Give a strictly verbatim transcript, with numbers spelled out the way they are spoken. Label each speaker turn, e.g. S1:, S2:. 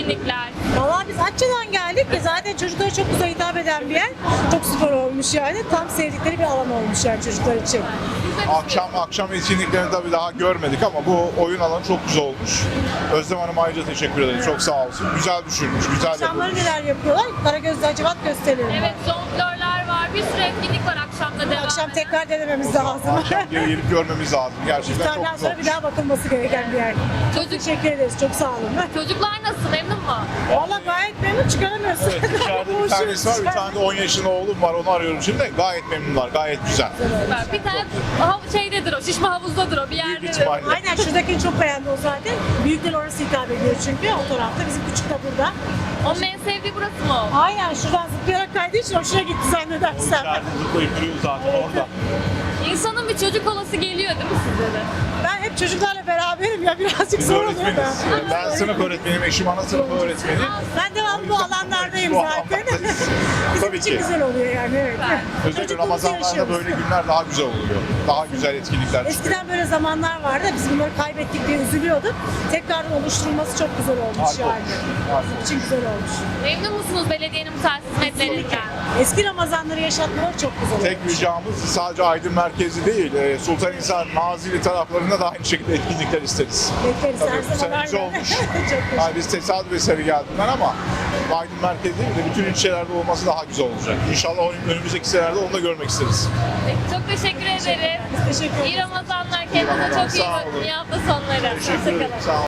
S1: etkinlikler?
S2: Valla biz Atça'dan geldik ki zaten çocuklara çok güzel hitap eden bir yer. Çok spor olmuş yani. Tam sevdikleri bir alan olmuş yani çocuklar için.
S3: Akşam akşam etkinliklerini tabii daha görmedik ama bu oyun alanı çok güzel olmuş. Özlem Hanım'a ayrıca teşekkür ederim. Çok sağ olsun. Güzel düşünmüş, güzel
S2: Akşamları
S3: yapılmış.
S2: neler yapıyorlar? Karagöz'de Hacivat gösteriyor.
S1: Evet, jonglörler var. Bir sürü etkinlik var akşamda devam
S2: Akşam
S1: eden.
S2: tekrar denememiz lazım.
S3: Akşam geri gelip görmemiz lazım. Gerçekten çok
S2: İftardan
S3: güzel
S2: sonra
S3: olmuş.
S2: bir daha bakılması gereken bir yer.
S1: Çocuk,
S2: Teşekkür ederiz. Çok sağ olun.
S1: çocuklar nasıl? Memnun mu?
S2: Valla gayet memnun, çıkaramıyorsun.
S3: Evet, dışarıda bir tanesi var, bir tane de on yaşında oğlum var, onu arıyorum şimdi. Gayet memnunlar, gayet güzel.
S1: Süper. Bir tane hav- şeydedir o, şişme havuzdadır o, bir
S3: Büyük
S1: yerdedir.
S3: ihtimalle.
S2: Aynen, şuradakini çok beğendi o zaten. Büyükler orası hitap ediyor çünkü o tarafta. Bizim küçük de burada.
S1: Onun en sevdiği burası mı?
S2: Aynen, şuradan zıplayarak kaydığı için hoşuna gitti zannedersem.
S3: zıplayıp duruyor zaten orada.
S1: İnsanın bir çocuk olası geliyor değil mi size de?
S2: Ben hep çocuklarla beraberim ya, birazcık
S3: Biz
S2: zor oluyor da.
S3: öğretmeniz. Ben sınıf öğretmeniyim, eşim ana sınıf öğretmeni.
S2: Ben devamlı bu alanlardayım
S3: Bu
S2: zaten.
S3: alanlardayız.
S2: Bizim
S3: Tabii
S2: için
S3: ki.
S2: güzel oluyor yani, evet.
S3: Özellikle
S2: Çocukluğumuzu
S3: Ramazanlarda
S2: yaşıyoruz.
S3: böyle günler daha güzel oluyor. Daha güzel etkinlikler çıkıyor.
S2: Eskiden böyle zamanlar vardı, biz bunları kaybettik diye üzülüyorduk. Tekrardan oluşturulması çok güzel olmuş
S3: Harika
S2: yani.
S3: olmuş, harika.
S2: Bizim için güzel olmuş.
S1: Memnun musunuz belediyenin bu tarz hizmetlerinden?
S2: Eski Ramazanları yaşatmaları çok güzel
S3: Tek
S2: olmuş.
S3: ricamız sadece Aydın merkezi değil, e, Sultanhisar, Nazilli taraflarında da aynı şekilde etkinlikler isteriz.
S2: Bekleriz
S3: Tabii
S2: her
S3: bu
S2: zaman.
S3: sene güzel
S2: aynen.
S3: olmuş.
S2: Çok teşekkür
S3: Yani biz tesadüf eseri geldim ben ama Aydın merkezi değil de bütün ilçelerde olması daha güzel olacak. İnşallah önümüzdeki senelerde onu da görmek isteriz.
S1: Peki, çok teşekkür ederim.
S2: Teşekkür
S1: İyi
S2: ederiz.
S1: Ramazanlar, kendinize çok iyi
S3: Sağ
S1: bakın.
S3: olun.
S1: İyi hafta sonları.
S3: Teşekkür ederim.
S1: Hoşçakalın.
S3: Sağ olun.